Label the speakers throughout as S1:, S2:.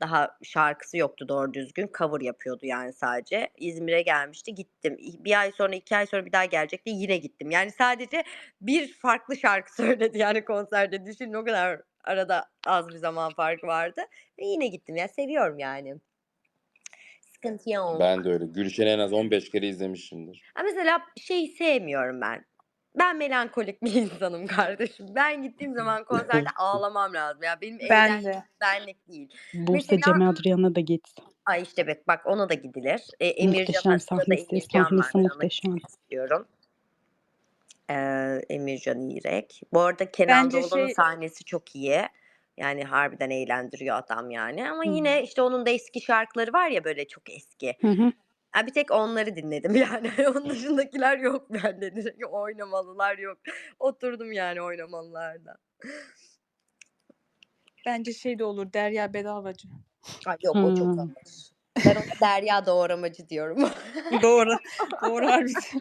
S1: Daha şarkısı yoktu doğru düzgün. Cover yapıyordu yani sadece. İzmir'e gelmişti, gittim. 1 ay sonra, 2 ay sonra bir daha gelecekti, yine gittim. Yani sadece bir farklı şarkı söyledi yani konserde. Düşünün o kadar arada az bir zaman farkı vardı ve yine gittim. Ya, seviyorum yani. Sıkıntı
S2: Ben
S1: yok.
S2: de öyle. Gülşen'i en az 15 kere izlemişimdir.
S1: Mesela şeyi sevmiyorum ben. Ben melankolik bir insanım kardeşim. Ben gittiğim zaman konserde ağlamam lazım. Ya, benim
S3: Ben
S1: eğlencem
S3: de.
S1: benlik değil.
S4: Buse
S1: Mesela
S4: Cem Adrian'a da git.
S1: Ay, işte bak ona da gidilir.
S4: Muhteşem
S1: Sırada
S4: sahnesi,
S1: Emircan var.
S4: sahnesi
S1: Ben ona
S4: muhteşem.
S1: gitmek istiyorum. Emircan İrek. Bu arada Kenan
S3: Bence
S1: Doğulu'nun
S3: şey
S1: sahnesi çok iyi. Yani harbiden eğlendiriyor adam yani ama
S4: Hı.
S1: yine, işte, onun da eski şarkıları var ya böyle çok eski.
S4: Hı hı.
S1: Bir tek onları dinledim yani. Onun dışındakiler yok bende. Direkt oynamalılar yok. Oturdum yani oynamalılarda.
S3: bence şey de olur, Derya Bedavacı.
S1: Ay yok o çok
S4: Hıı.
S1: ağır. Ben ona Derya Doğramacı diyorum.
S3: Doğru. Doğru harbiden.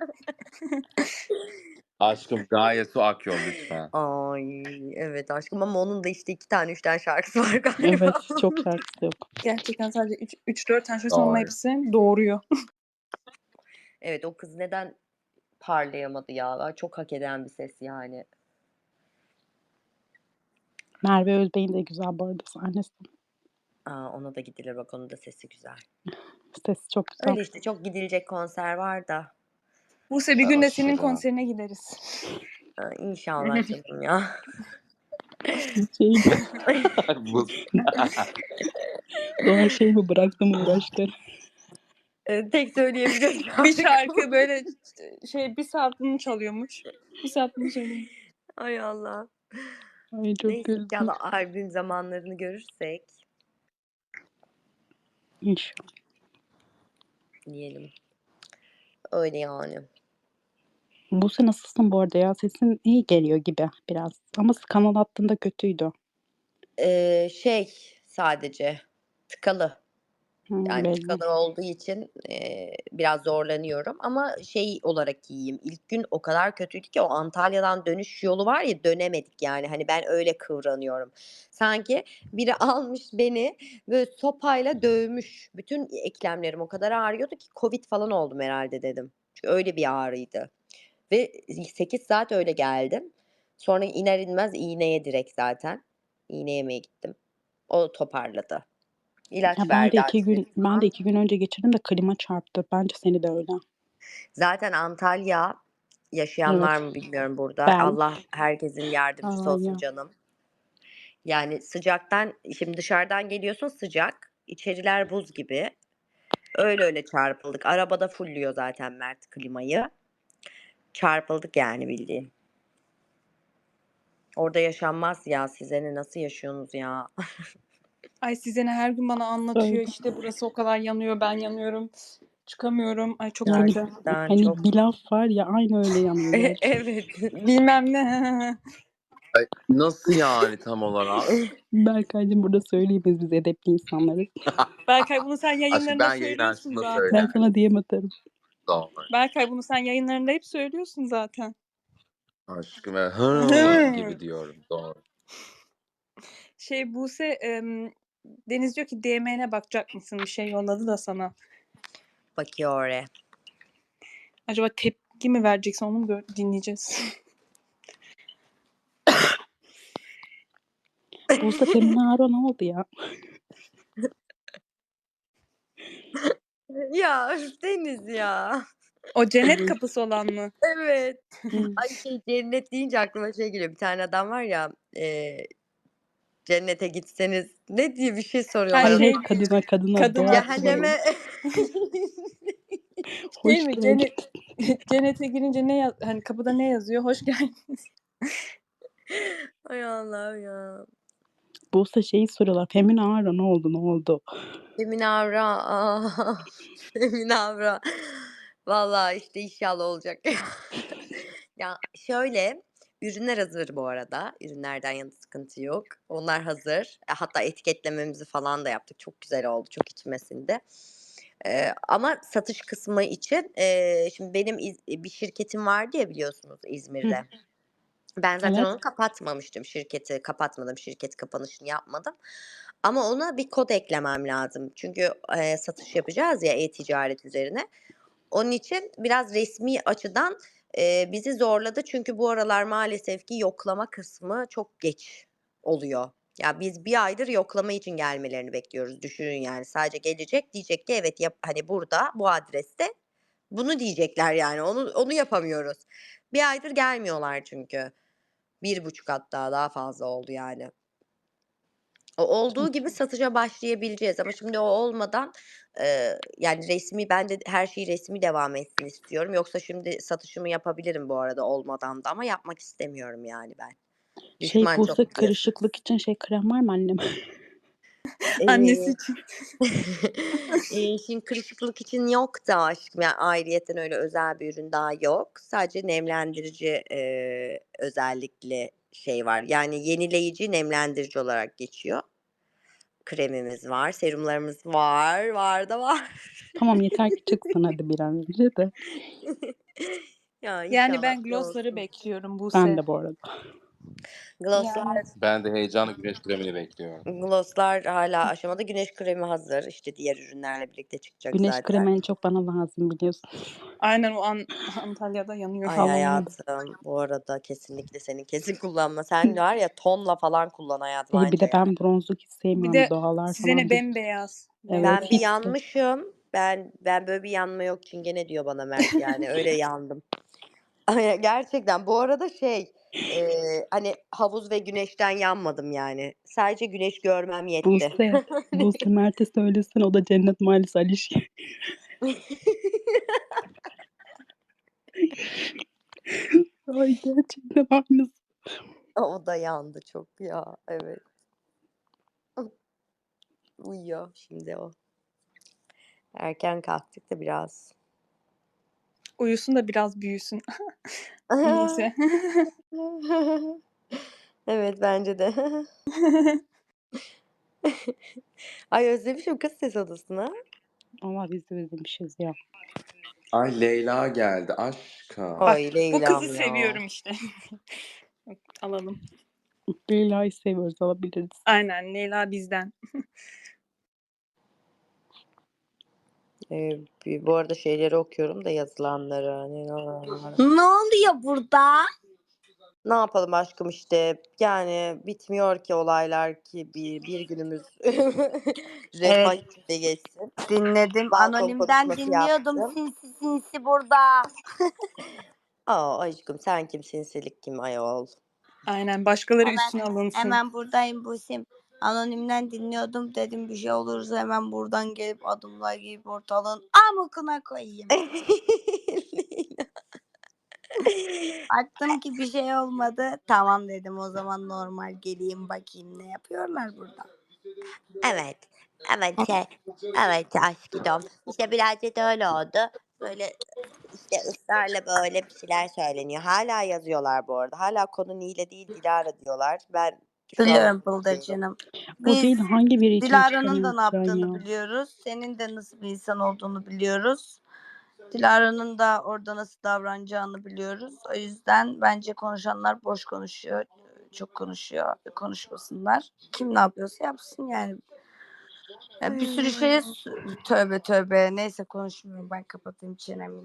S2: Aşkım Gaye Su Akyol lütfen.
S1: Ay, evet aşkım ama onun da işte 2 tane 3 tane şarkısı var galiba.
S4: Evet, çok şarkısı yok.
S3: Gerçekten sadece 3-4 tane şarkısı ama
S2: Doğru.
S3: hepsi doğuruyor.
S1: Evet, o kız neden parlayamadı ya? Çok hak eden bir ses yani.
S4: Merve Özbey'in de güzel bu arada sahnesi.
S1: Ona da gidilir bak onun da sesi güzel.
S4: Sesi çok güzel.
S1: Öyle işte çok gidilecek konser var da.
S3: Buse bir gün de senin
S2: Aşırı.
S3: konserine gideriz.
S1: İnşallah canım ya.
S4: Şey,
S2: Bu
S4: Doğan şey mi bıraktım uğraşları.
S1: Tek söyleyebileceğim
S3: Bir
S1: şarkı
S3: şarkı
S1: bu.
S3: böyle şey 1 saat bunu çalıyormuş. 1 saat bunu söylüyormuş.
S1: Ay Allah.
S4: Ay çok
S1: Neyse
S4: güldüm.
S1: inşallah albüm zamanlarını görürsek
S4: İnşallah.
S1: diyelim. Öyle yani.
S4: Buse nasılsın bu arada ya? Sesin iyi geliyor gibi biraz. Ama kanal attığında kötüydü.
S1: Sadece tıkalı.
S4: Hı,
S1: Yani
S4: belli.
S1: tıkalı olduğu için, biraz zorlanıyorum ama şey olarak iyiyim. İlk gün o kadar kötüydü ki o Antalya'dan dönüş yolu var ya dönemedik yani. Hani ben öyle kıvranıyorum. Sanki biri almış beni böyle sopayla dövmüş. Bütün eklemlerim o kadar ağrıyordu ki Covid falan oldum herhâlde dedim. Çünkü öyle bir ağrıydı ve 8 saat öyle geldim. Sonra iner inmez iğneye direkt zaten. İğne yemeye gittim. O toparladı.
S4: Ya
S1: İlaç verdi antibiyotik
S4: ben de
S1: falan.
S4: 2 gün önce geçirdim de klima çarptı. Bence seni de öyle.
S1: Zaten Antalya yaşayan var
S4: Evet.
S1: mı bilmiyorum burada.
S4: Ben.
S1: Allah herkesin yardımcısı olsun
S4: Aynen.
S1: canım. Yani sıcaktan şimdi dışarıdan geliyorsun sıcak, içeriler buz gibi. Öyle çarpıldık. Arabada fulluyor zaten Mert klimayı. Çarpıldık yani bildiğin. Orada yaşanmaz ya. Size ne, nasıl yaşıyorsunuz ya?
S3: Ay size ne her gün bana
S4: Öyle.
S3: anlatıyor işte burası o kadar yanıyor ben yanıyorum. Çıkamıyorum. Ay çok
S4: Yani
S3: kötü.
S1: Gerçekten
S4: hani
S1: çok.
S4: bir laf var ya aynı öyle yanıyor gerçekten.
S1: Evet.
S3: Bilmem ne.
S2: Ay, nasıl yani tam olarak?
S4: Berkaycığım burada söyleyemeyiz biz edepli insanlarız.
S3: Berkay bunu sen
S2: Aşkım
S3: yayınlarında
S2: ben yayın
S3: söylüyorsun
S2: açtığımda
S3: zaten.
S4: Ben
S2: söylerim.
S4: sana diyem atarım.
S2: Doğru.
S3: Berkay bunu sen yayınlarında hep söylüyorsun zaten.
S2: Aşkım gibi diyorum. Doğru.
S3: Şey Buse Deniz diyor ki DM'ne bakacak mısın? Bir şey yolladı da sana.
S1: Bakıyor oraya.
S3: Acaba tepki mi vereceksin onu mu dinleyeceğiz?
S4: Buse Feminaro ne oldu ya?
S1: Ya üf, Deniz ya.
S3: O cennet kapısı olan mı?
S1: Evet.
S4: Hı.
S1: Ay cennet deyince aklıma şey geliyor. Bir tane adam var ya, cennete gitseniz ne diye bir şey soruyorlar
S4: Hayır
S1: ona.
S4: hayır
S3: Şey
S4: kadına doğa
S3: kadına
S1: Cehenneme
S3: şey
S4: hoş
S3: mi
S4: geldin.
S3: cennete girince ne hani kapıda ne yazıyor? Hoş geldin.
S1: Ay Allah'ım ya.
S4: Buse şeyi soruyorlar. Feminaro ne oldu ne oldu?
S1: Feminavra. Feminavra. Vallahi işte inşallah olacak. Ya şöyle ürünler hazır bu arada. Ürünlerden yana sıkıntı yok. Onlar hazır. Hatta etiketlememizi falan da yaptık. Çok güzel oldu. Çok içime sindi. Ama satış kısmı için şimdi benim bir şirketim vardı ya biliyorsunuz
S4: Hı.
S1: İzmir'de. Ben zaten
S4: Evet.
S1: onu kapatmamıştım. Şirketi kapatmadım. Şirket kapanışını yapmadım. Ama ona bir kod eklemem lazım. Çünkü, satış yapacağız ya e-ticaret üzerine. Onun için biraz resmi açıdan, bizi zorladı. Çünkü bu aralar maalesef ki yoklama kısmı çok geç oluyor. Ya, biz bir aydır yoklama için gelmelerini bekliyoruz. Düşünün yani. Sadece gelecek, diyecek ki evet, hani, burada, bu adreste bunu diyecekler yani. Onu yapamıyoruz. Bir aydır gelmiyorlar çünkü. 1,5 hatta daha fazla oldu yani. O olduğu gibi satışa başlayabileceğiz ama şimdi o olmadan, yani ben de her şey resmi devam etsin istiyorum. Yoksa şimdi satışımı yapabilirim bu arada olmadan da ama yapmak istemiyorum yani ben. Düşman
S4: Buse,
S1: çok biliyorsun.
S4: kırışıklık için krem var mı annem?
S3: Annesi
S1: Eee
S3: için.
S1: Şimdi kırışıklık için yok da aşkım, yani ayrıyeten öyle özel bir ürün daha yok. Sadece nemlendirici, özellikle şey var, yani yenileyici, nemlendirici olarak geçiyor. Kremimiz var, serumlarımız var, var da var.
S4: Tamam, yeter ki çıksın hadi bir an önce de.
S1: Ya
S3: Yani
S1: inşallah
S3: ben
S1: bir şey
S3: glossları
S1: olsun.
S3: bekliyorum
S4: Ben
S3: Buse.
S4: de bu arada.
S1: Glosslar
S3: Yani
S2: Ben de heyecanla güneş kremini bekliyorum.
S1: glosslar hâlâ aşamada. Güneş kremi hazır. İşte diğer ürünlerle birlikte çıkacak
S4: Güneş
S1: zaten.
S4: kremi en çok bana lazım biliyorsun.
S3: aynen o Antalya'da yanıyor.
S1: Ay
S4: Allah'ım.
S1: hayatım, bu arada kesinlikle senin kesin kullanma. Sen var ya tonla falan kullan hayatım
S4: Bir de
S1: anca
S4: ben
S1: yani.
S4: bronzluk hiç
S3: Bir
S4: sevmiyorum.
S3: de
S4: Doğalar
S3: size ne
S4: falan.
S3: bembeyaz.
S4: Evet,
S1: Ben bir
S4: hiç de.
S1: yanmışım. Ben böyle bir yanma yok çingene diyor bana Mert yani. Öyle yandım. Ay, gerçekten bu arada hani havuz ve güneşten yanmadım yani. Sadece güneş görmem yetti.
S4: Buse Mert'e söylesin, o da Cennet Mahallesi Alişki. Ay gerçekten aynısı.
S1: O da yandı çok ya. Evet. Uyuyor şimdi o. Erken kalktık da biraz.
S3: Uyusun da biraz büyüsün. Neyse.
S1: Evet bence de. Ay özlemişim kız ses odasını.
S4: Allah biz de özlemişiz ya.
S2: Ay Leyla geldi aşkım.
S3: Bak
S1: Ay
S3: bu
S1: Leyla'm
S3: kızı
S1: ya.
S3: seviyorum işte. Alalım.
S4: Leyla'yı seviyoruz, alabiliriz.
S3: Aynen Leyla bizden.
S1: Bu arada şeyleri okuyorum da yazılanları.
S5: Ne oluyor burada?
S1: Ne yapalım aşkım işte yani bitmiyor ki olaylar ki bir günümüz refah
S5: Evet,
S1: içinde geçsin.
S5: dinledim.
S1: Balkon
S5: Anonimden
S1: konuşması
S5: dinliyordum
S1: yaptım.
S5: sinsi burada.
S1: Aa aşkım sen kim sinsilik kim ayol.
S3: Aynen başkaları
S5: Hemen
S3: üstüne alınsın.
S5: hemen buradayım Busim. Anonimden dinliyordum. Dedim bir şey olursa hemen buradan gelip adımlar gibi ortalığın amıkına koyayım. Baktım ki bir şey olmadı. Tamam dedim o zaman normal geleyim bakayım ne yapıyorlar burada.
S1: Evet. Evet aşkım. İşte birazcık da öyle oldu. Böyle işte ısrarla böyle bir şeyler söyleniyor. Hala yazıyorlar bu arada. Hala konu Nile değil Dilara diyorlar. Ben şu an
S5: Biliyorum Bıldırcın'ım.
S4: O
S5: Biz
S4: değil, hangi biri için
S5: Dilara'nın da
S4: çıkamıyorsun
S5: ne yaptığını
S4: ya?
S5: biliyoruz. Senin de nasıl bir insan olduğunu biliyoruz. Dilara'nın da orada nasıl davranacağını biliyoruz. O yüzden bence konuşanlar boş konuşuyor. Çok konuşuyor. Konuşmasınlar. Kim ne yapıyorsa yapsın yani. Ya bir sürü şeye tövbe tövbe. Neyse konuşmuyorum. Ben kapatayım çenemi.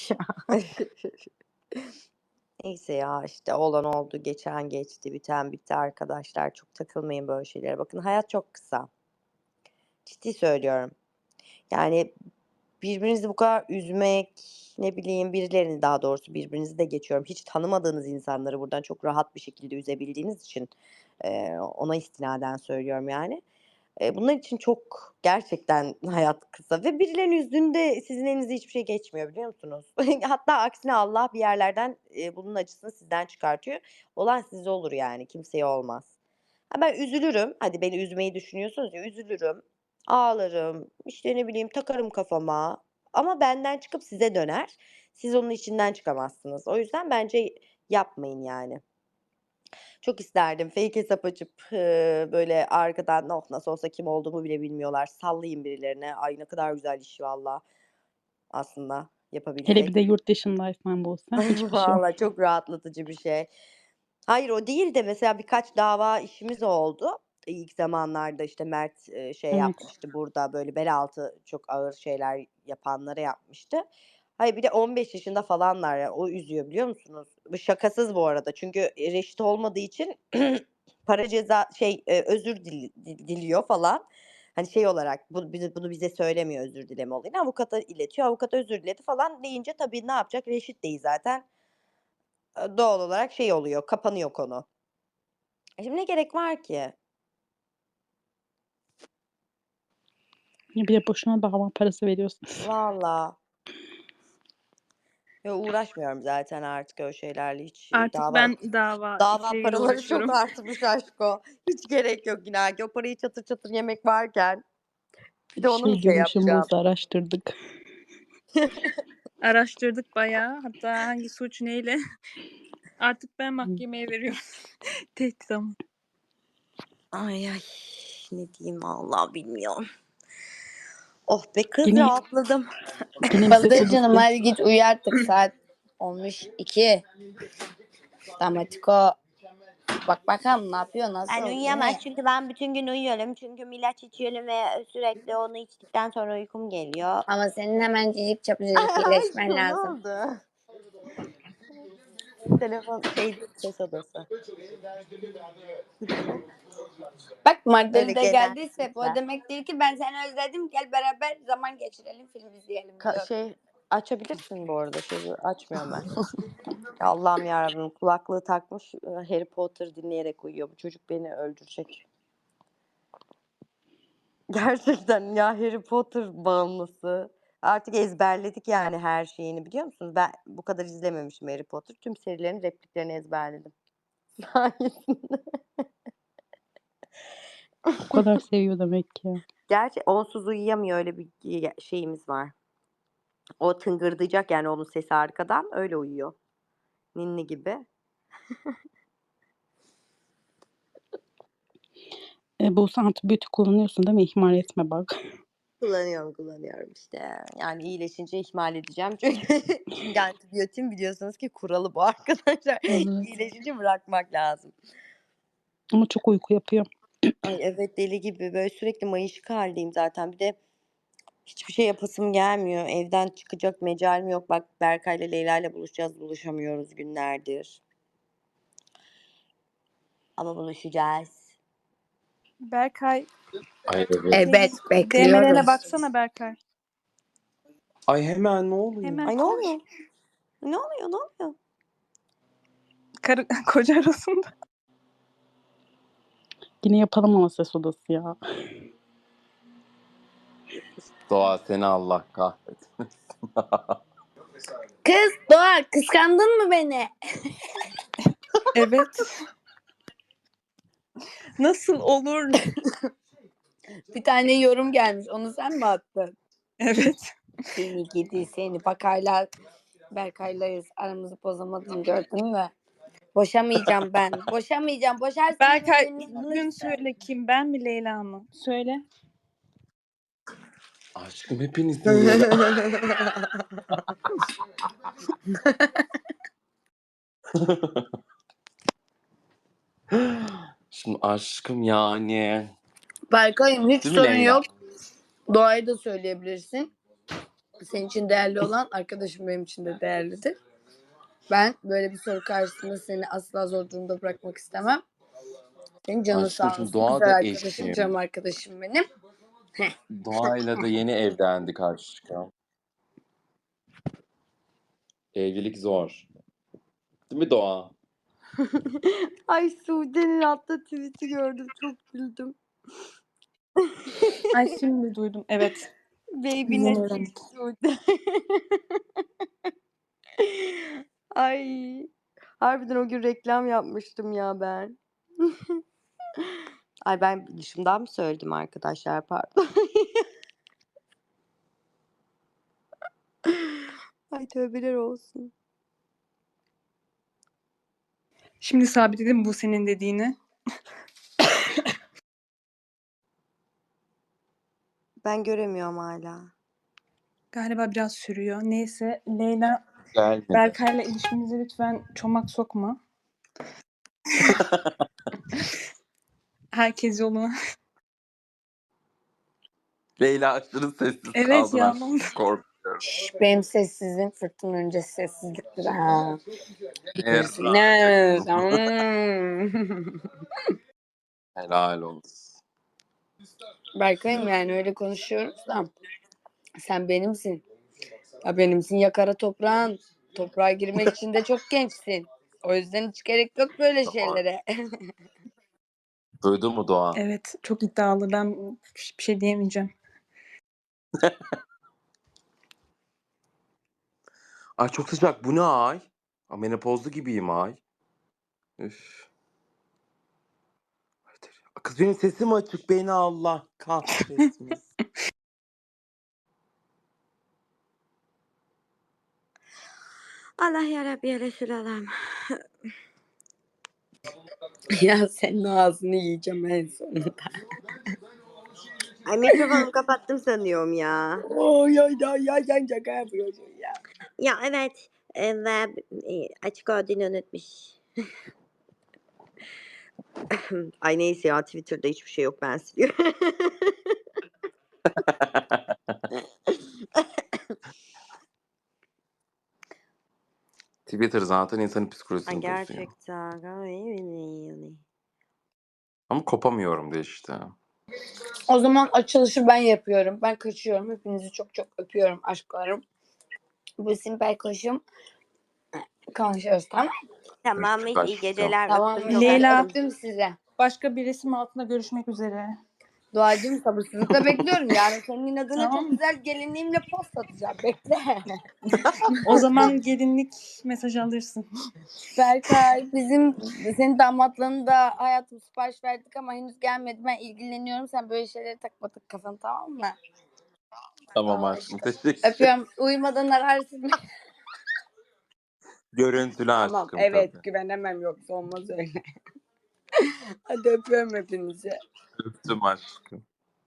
S1: Neyse ya işte olan oldu, geçen geçti, biten bitti arkadaşlar. Çok takılmayın böyle şeylere. Bakın hayat çok kısa. Ciddi söylüyorum. Yani birbirinizi bu kadar üzmek, ne bileyim birilerini daha doğrusu birbirinizi de geçiyorum. Hiç tanımadığınız insanları buradan çok rahat bir şekilde üzebildiğiniz için ona istinaden söylüyorum yani. Bunlar için çok gerçekten hayat kısa ve birilerinin üzdüğünde sizin elinize hiçbir şey geçmiyor biliyor musunuz? Hatta aksine Allah bir yerlerden, bunun acısını sizden çıkartıyor. Olan size olur yani, kimseye olmaz. Ha, ben üzülürüm. Hadi beni üzmeyi düşünüyorsunuz ya, üzülürüm, ağlarım, işte, ne bileyim, takarım kafama ama benden çıkıp size döner. Siz onun içinden çıkamazsınız. O yüzden bence yapmayın yani. Çok isterdim fake hesap açıp, böyle arkadan, "Oh, nasıl olsa kim olduğumu bile bilmiyorlar, sallayayım birilerine. Ay, ne kadar güzel iş valla aslında
S4: Hele bir
S1: yapabilsek."
S4: de yurt dışındaysan Buse, hiçbir şey yok.
S1: Valla çok rahatlatıcı bir şey. Hayır, o değil de mesela birkaç dava işimiz oldu. ilk zamanlarda işte Mert şey
S4: Evet.
S1: yapmıştı burada böyle bel altı çok ağır şeyler yapanlara yapmıştı. Hayır bir de 15 yaşında falanlar ya o üzüyor biliyor musunuz? Bu şakasız bu arada çünkü reşit olmadığı için para ceza özür diliyor falan. Hani şey olarak bunu bize söylemiyor özür dileme olayını avukata iletiyor. Avukat özür diledi falan deyince tabii ne yapacak? Reşit değil zaten. Doğal olarak şey oluyor kapanıyor konu. Şimdi ne gerek var ki?
S4: Bir de boşuna dava parası veriyorsun.
S1: Valla. Ya uğraşmıyorum zaten artık öyle şeylerle hiç
S3: Artık ben
S1: dava
S3: işleriyle
S1: paraları çok
S3: uğraşıyorum.
S1: artmış aşko. Hiç gerek yok inan ki o parayı çatır çatır yemek varken bir de onu mu şey
S4: Diyormuşum
S1: yapacağım?
S4: Buse araştırdık.
S3: Araştırdık bayağı. Hatta hangi suç neyle. Artık ben mahkemeye veriyorum. Tehdit ama.
S1: Ay ne diyeyim vallahi bilmiyorum. Oh be kız
S4: Yine
S1: rahatladım.
S4: yine bir ses
S5: Baldırcınım
S4: odası.
S5: hadi git uyu artık saat olmuş 2. Damatiko. Bak bakalım ne yapıyor nasıl?
S1: Ben uyuyamaz çünkü ben bütün gün uyuyorum. Çünkü ilaç içiyorum ve sürekli onu içtikten sonra uykum geliyor.
S5: Ama senin hemen cicik çapucacık iyileşmen
S1: Aşkım, ne
S5: lazım.
S1: oldu? Telefon ses odası.
S5: Bak
S1: Öyle
S5: Mardeli de
S1: genel
S5: geldiyse o
S1: sesler.
S5: demek değil ki ben seni özledim gel beraber zaman geçirelim film izleyelim diyor.
S1: Açabilirsin bu arada açmıyorum ben. Ya Allah'ım yarabbim kulaklığı takmış Harry Potter dinleyerek uyuyor. Bu çocuk beni öldürecek. Gerçekten ya Harry Potter bağımlısı. Artık ezberledik yani her şeyini biliyor musunuz? Ben bu kadar izlememişim Harry Potter. Tüm serilerin repliklerini ezberledim. Sayesinde.
S4: O kadar seviyor demek ki.
S1: Gerçi onsuz uyuyamıyor öyle bir şeyimiz var. O tıngırdayacak yani onun sesi arkadan öyle uyuyor. Ninni gibi.
S4: Buse antibiyotik kullanıyorsun değil mi? İhmal etme bak.
S1: Kullanıyorum işte. Yani iyileşince ihmal edeceğim çünkü antibiyotin biliyorsunuz ki kuralı bu arkadaşlar.
S4: Evet.
S1: İyileşince bırakmak lazım.
S4: Ama çok uyku yapıyor.
S1: Ay evet deli gibi böyle sürekli mayışık haldeyim zaten. Bir de hiçbir şey yapasım gelmiyor. Evden çıkacak mecalim yok. Bak Berkay'la Leyla'yla buluşacağız. Buluşamıyoruz günlerdir. Ama buluşacağız.
S3: Berkay.
S2: Ay evet.
S5: Evet
S3: DM'lerine
S5: bekliyoruz.
S3: baksana Berkay.
S2: Ay hemen ne oluyor?
S3: Hemen
S1: Ay ne
S3: koş.
S1: oluyor? Ne oluyor?
S3: Karı koca arasında.
S4: Yine yapalım ama ses odası ya.
S2: Doğa seni Allah kahretsin.
S5: Kız Doğa kıskandın mı beni?
S3: Evet. Nasıl olur?
S5: Bir tane yorum gelmiş onu sen mi attın?
S3: Evet.
S5: Seni gidi seni bak hala Berkay'layız aramızı bozamadın gördün mü? Boşamayacağım ben. Boşamayacağım. Boşarsın
S3: Berkay
S5: benim
S3: bugün
S5: yanımda.
S3: söyle kim ben mi Leyla mı? Söyle.
S2: Aşkım hepinizin Leyla. Şimdi aşkım yani.
S5: Berkay'ım hiç
S2: Değil mi
S5: sorun
S2: Leyla?
S5: yok. Doğayı da söyleyebilirsin. Senin için değerli olan arkadaşım benim için de değerlidir. Ben böyle bir soru karşısında seni asla zor durumda bırakmak istemem. Senin canın
S2: Aşkım
S5: sağ
S2: şimdi
S5: olsun.
S2: Doğa
S5: Güzel
S2: da
S5: arkadaşım,
S2: eşim.
S5: canım arkadaşım benim.
S2: Doğayla da yeni evlendik aşkım. Evlilik zor. Değil mi Doğa?
S1: Ay Sude'nin attığı tweet'i gördüm. Çok güldüm.
S3: Ay şimdi duydum. Evet.
S1: Baby
S3: Yeni
S1: net
S3: öğrendik.
S1: Sude. Ay. Harbiden o gün reklam yapmıştım ya ben. Ay ben dışımdan mı söyledim arkadaşlar pardon. Ay tövbeler olsun.
S3: Şimdi sabitledim bu senin dediğini.
S1: Ben göremiyorum hala.
S3: Galiba biraz sürüyor. Neyse Leyla
S2: Gelmedi.
S3: Berkay'la ilişkinize lütfen çomak sokma. Herkes yoluna.
S2: Leyla aşırı sessiz
S3: Evet
S2: kaldın
S3: ya.
S2: aşkım. Korkuyorum.
S5: Benim sessizliğim fırtına öncesi sessizliktir ha. Bilirsin.
S2: Erracığım. Helal olsun.
S5: Berkay'ım yani öyle konuşuyoruz da sen benimsin. Ya benimsin ya kara toprağın. Toprağa girmek için de çok gençsin. O yüzden hiç gerek yok böyle
S2: Doğru.
S5: şeylere.
S2: Duydun mu Doğa?
S3: Evet çok iddialı. Ben bir şey diyemeyeceğim.
S2: Ay çok sıcak. Bu ne ay? Menopozlu gibiyim ay. Üf. Kız benim sesim açık. Beni Allah kahretmesin.
S1: Allah yarabbi ya Resulallah.
S5: Ya senin ağzını yiyeceğim en sonunda.
S1: Ay mikrofonumu kapattım sanıyorum ya.
S5: Ya sen şaka yapıyorsun ya.
S1: Ya evet. Ve açık olduğunu unutmuş. Ay neyse ya Twitter'da hiçbir şey yok ben siliyorum.
S2: Twitter zaten insanın
S1: Ay
S2: psikolojisini bozuyor.
S1: gerçekten.
S2: Ama kopamıyorum da işte.
S5: O zaman açılışı ben yapıyorum. Ben kaçıyorum. Hepinizi çok çok öpüyorum aşklarım. Bu simpel koşum. Konuşuyoruz tamam.
S1: Tamam
S2: Öptük
S1: iyi
S2: aşkım.
S1: geceler.
S5: Tamam.
S1: Öptüm çok
S3: Leyla.
S1: öptüm.
S5: Öptüm size.
S3: Başka bir resim altında görüşmek üzere.
S5: Doğacığım sabırsızlıkla bekliyorum. Yarın senin inadına
S3: Tamam.
S5: çok güzel gelinliğimle post atacağım. Bekle.
S3: O zaman gelinlik mesaj alırsın.
S5: Berkay senin damatlığını da hayatım sipariş verdik ama henüz gelmedi. Ben ilgileniyorum. Sen böyle şeyleri takma kafanı tamam mı?
S2: Tamam aşkım. Teşekkür.
S5: Öpüyorum. Uyumadan ararsın.
S2: Görüntülü
S5: Tamam
S2: aşkım
S5: evet
S2: tabii.
S5: güvenemem yoksa olmaz öyle. Hadi öpüyorum hepinizi.
S2: Öptüm aşkım.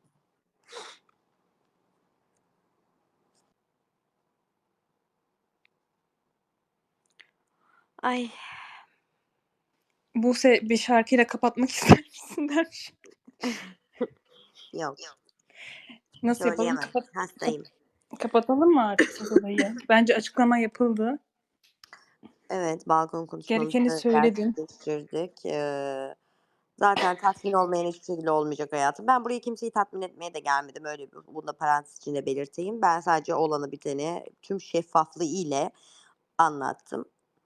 S1: Ay
S3: Buse bir şarkıyla kapatmak ister misin demiş.
S1: yok
S3: Nasıl yapalım?
S1: söyleyemem. Hastayım.
S3: Kapatalım mı artık siz olayı? Bence açıklama yapıldı.
S1: Evet balkon
S3: Gerekeni
S1: konuşmamızı
S3: söyledin.
S1: gerçekleştirdik. Zaten tatmin olmayan hiçbir şekilde olmayacak hayatım. Ben buraya kimseyi tatmin etmeye de gelmedim. Öyle bunu da parantez içinde belirteyim. Ben sadece olanı biteni tüm şeffaflığı ile anlattım.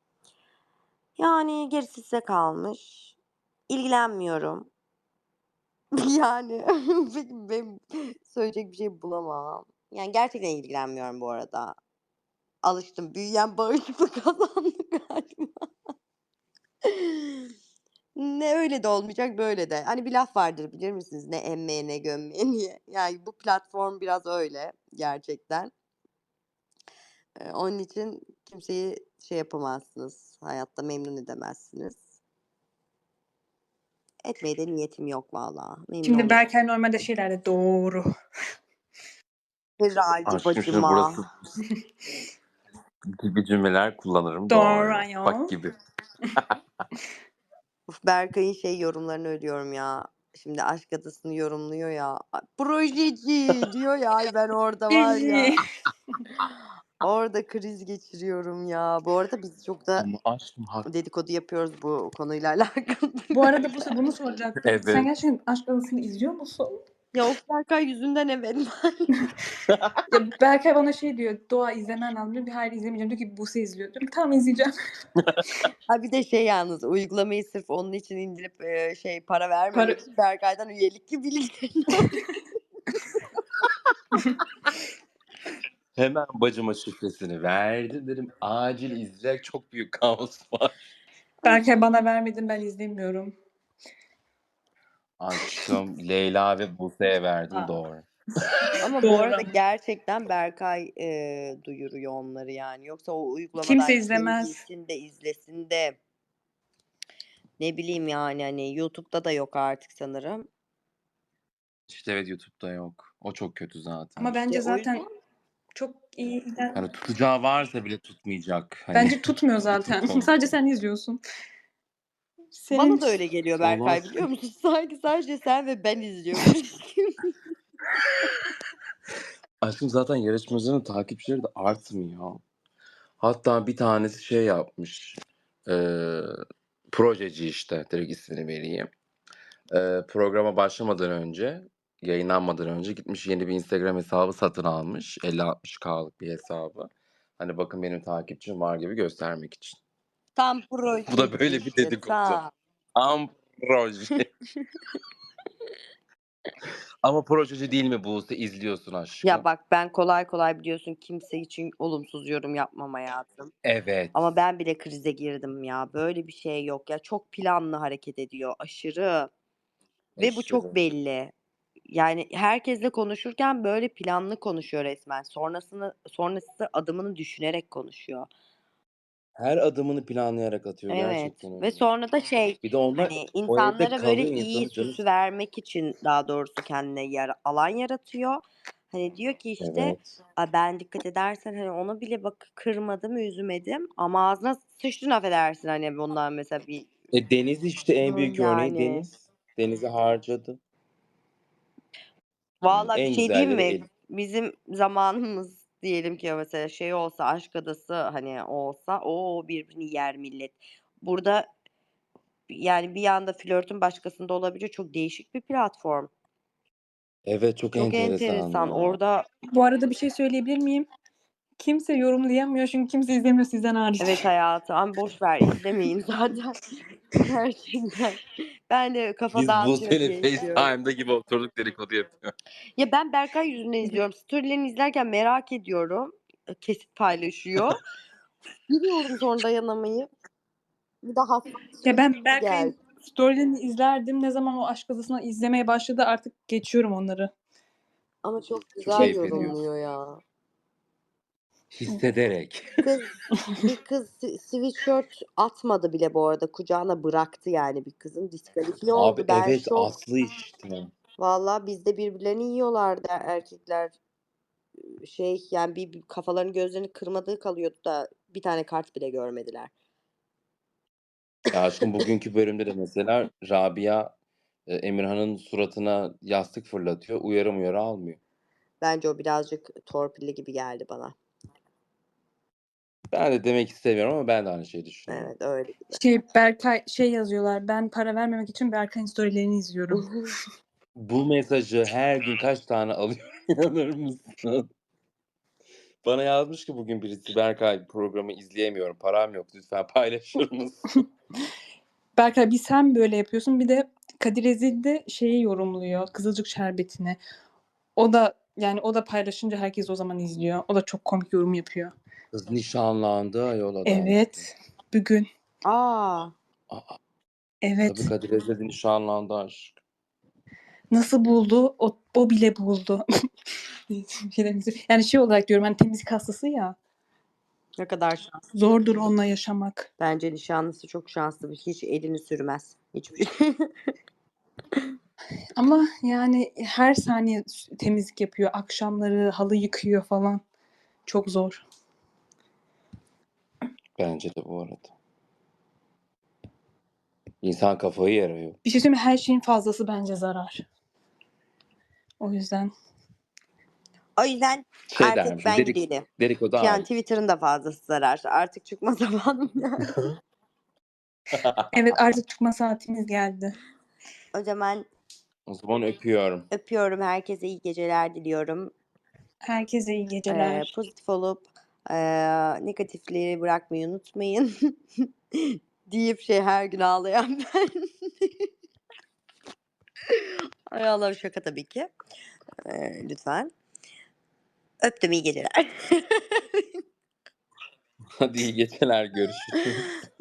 S1: Yani gerisi size kalmış. İlgilenmiyorum. Yani benim söyleyecek bir şey bulamam. Yani gerçekten ilgilenmiyorum bu arada. Alıştım. Büyüyen bağışıklık kazandı galiba. Ne öyle de olmayacak böyle de. Hani bir laf vardır bilir misiniz? Ne emmeye ne gömmeye diye. Yani bu platform biraz öyle gerçekten. Onun için kimseyi şey yapamazsınız. Hayatta memnun edemezsiniz. Etmeye de niyetim yok valla. Memnun
S3: Şimdi
S1: olurum.
S3: Berkay normalde şeylerde doğru.
S1: Herhalde
S2: Aşkım şimdi
S1: bacıma.
S2: burası gibi cümleler kullanırım.
S3: Doğru
S2: Doğru.
S3: ayol.
S2: Bak gibi.
S1: Uf, Berkay'ın şey yorumlarını ölüyorum ya. Şimdi Aşk Adası'nı yorumluyor ya. Ay, projeci diyor ya. Ay ben orada var ya. Orada kriz geçiriyorum ya. Bu arada biz çok da
S2: Ama aşkım haklı.
S1: dedikodu yapıyoruz bu konuyla alakalı.
S3: Bu arada Buse bunu soracaktım.
S2: Evet.
S3: Sen gerçekten Aşk Adası'nı izliyor musun?
S1: Ya of Berkay yüzünden evet.
S3: Ya Berkay bana şey diyor. Doğa izlemen lazım diyor. Bir hayır izlemeyeceğim diyor ki Buse izliyor. Diyorum tamam izleyeceğim.
S1: Ha bir de şey yalnız uygulamayı sırf onun için indirip şey para vermemek için Berkay'dan üyelik gibi bilgilerini
S2: Hemen bacıma şifresini verdim. Dedim acil izleyecek çok büyük kaos var.
S3: Berkay bana vermedin ben izlemiyorum.
S2: Aşkım Leyla ve Buse'ye verdim
S5: Aa.
S2: doğru.
S1: Ama bu
S3: Doğru
S1: arada
S3: ama.
S1: gerçekten Berkay duyuruyor onları yani. Yoksa o uygulamadan
S3: Kimse
S1: kim
S3: izlemez.
S1: gitsin de izlesin de ne bileyim yani hani YouTube'da da yok artık sanırım.
S2: İşte evet YouTube'da yok. O çok kötü zaten.
S3: Ama bence
S1: İşte o
S3: zaten
S1: yüzden
S3: çok iyi.
S2: Yani tutacağı varsa bile tutmayacak. Hani
S3: Bence tutmuyor zaten.
S2: konu.
S3: Sadece sen izliyorsun.
S1: Bana da öyle geliyor
S2: Allah
S1: Berkay,
S2: aşkına.
S1: biliyor musun? Sanki sadece sen ve ben izliyormuş gibi.
S2: Aşkım zaten yarışmacının takipçileri de artmıyor. Hatta bir tanesi şey yapmış. Projeci işte. Direkt ismini vereyim. Programa başlamadan önce, yayınlanmadan önce gitmiş yeni bir Instagram hesabı satın almış. 50-60K'lık bir hesabı. Hani bakın benim takipçim var gibi göstermek için.
S1: Tam
S2: Bu
S1: projeci
S2: da böyle bir
S1: işte,
S2: dedikodu.
S1: tam.
S2: Am proje. Ama projeci değil mi Buse? İzliyorsun aşkım.
S1: Ya bak, ben kolay kolay biliyorsun kimse için olumsuz yorum yapmam hayatım.
S2: Evet.
S1: Ama ben bile krize girdim ya. Böyle bir şey yok ya. Çok planlı hareket ediyor. Aşırı. Ve bu çok
S2: Aşırı.
S1: belli. Yani herkesle konuşurken böyle planlı konuşuyor resmen. Sonrası adımını düşünerek konuşuyor.
S2: Her adımını planlayarak atıyor.
S1: Evet.
S2: Gerçekten
S1: Ve
S2: öyle.
S1: sonra da
S2: Bir de onlar
S1: hani
S2: o evde
S1: insanlara böyle
S2: kalıyor,
S1: iyi
S2: insanı canı
S1: süsü vermek için daha doğrusu kendine alan yaratıyor. Hani diyor ki işte
S2: Evet.
S1: ben dikkat edersen hani ona bile bak kırmadım, üzmedim ama ağzına sıçtın, affedersin hani bundan mesela bir
S2: Deniz işte en büyük örneği
S1: yani.
S2: Deniz. Deniz'i harcadı.
S1: Vallahi bir
S2: En
S1: şey diyeyim
S2: güzelleri
S1: mi? Bizim zamanımız diyelim ki mesela şey olsa, Aşk Adası hani olsa o birbirini yer millet. Burada yani bir anda flörtün başkasında olabiliyor. Çok değişik bir platform.
S2: Evet, çok
S1: Çok
S2: enteresan
S1: enteresan.
S2: ya.
S1: Orada
S3: Bu arada bir şey söyleyebilir miyim? Kimse yorumlayamıyor çünkü kimse izlemiyor sizden hariç.
S1: evet hayatım ama boş ver, izlemeyin zaten. Gerçekten. Ben de kafa
S2: Biz
S1: dağıtıyor
S2: Buse'yle
S1: diye izliyorum.
S2: FaceTime'da gibi oturduk dedikodu yapıyor.
S1: Ya ben Berkay yüzünden izliyorum. Storylerini izlerken merak ediyorum. Kesit paylaşıyor. Giriyorum sonra dayanamayıp. Bir de hassas
S3: Ya ben
S1: gel.
S3: Berkay'ın storylerini izlerdim. Ne zaman o Aşk Adası'nı izlemeye başladı artık geçiyorum onları.
S1: Ama çok
S2: Çok
S1: güzel
S2: keyif ediyor.
S1: yorumluyor ya.
S2: Hissederek.
S1: Bir kız sweatshirt atmadı bile bu arada. Kucağına bıraktı yani bir kızın. Diskalifiye oldu.
S2: Abi
S1: Ben
S2: evet,
S1: şok.
S2: Aslı işte.
S1: Vallahi bizde birbirlerini yiyorlardı erkekler. Yani bir kafalarını gözlerini kırmadığı kalıyordu da bir tane kart bile görmediler.
S2: Ya aşkım bugünkü bölümde de mesela Rabia Emirhan'ın suratına yastık fırlatıyor. Uyarı almıyor.
S1: Bence o birazcık torpilli gibi geldi bana.
S2: Ben de demek istemiyorum ama ben de aynı şeyi düşünüyorum.
S1: Evet, öyle gibi.
S3: Berkay yazıyorlar. Ben para vermemek için Berkay'ın storylerini izliyorum.
S2: Bu mesajı her gün kaç tane alıyorum inanır mısın? Bana yazmış ki bugün birisi, Berkay programı izleyemiyorum, param yok, lütfen paylaşır mısın?
S3: Berkay bir sen böyle yapıyorsun, bir de Kadir Ezil de şeyi yorumluyor, Kızılcık Şerbeti'ni. O da paylaşınca herkes o zaman izliyor. O da çok komik yorum yapıyor.
S2: Kız nişanlandı ayol adam.
S3: Evet. Bugün.
S1: Aa,
S2: Aa,
S3: Evet.
S2: tabii Kadir Ezeli nişanlandı aşk.
S3: Nasıl buldu? O bile buldu. Yani şey olarak diyorum, hani temizlik hastası ya.
S1: ne kadar şanslı.
S3: Zordur onunla yaşamak.
S1: Bence nişanlısı çok şanslı. Hiç elini sürmez. Hiçbir şey.
S3: Ama yani her saniye temizlik yapıyor. Akşamları halı yıkıyor falan. Çok zor.
S2: Bence de bu arada. İnsan kafayı yarıyor.
S3: Bir şey söyleyeyim mi? Her şeyin fazlası bence zarar. O yüzden.
S1: O yüzden
S2: Şey
S1: artık
S2: dermişim,
S1: ben gidelim.
S2: dedikodu
S1: Yani
S2: hariç.
S1: Twitter'ın da fazlası zarar. Artık çıkma zamanım yani.
S3: Evet, artık çıkma saatimiz geldi.
S1: O zaman
S2: O zaman öpüyorum.
S1: öpüyorum. Herkese iyi geceler diliyorum.
S3: Herkese iyi geceler.
S1: Pozitif olup negatifleri bırakmayı unutmayın. Deyip her gün ağlayan ben. Ay Allah'ım, şaka tabii ki. Lütfen. Öptüm, iyi geceler.
S2: Hadi iyi geceler, görüşürüz.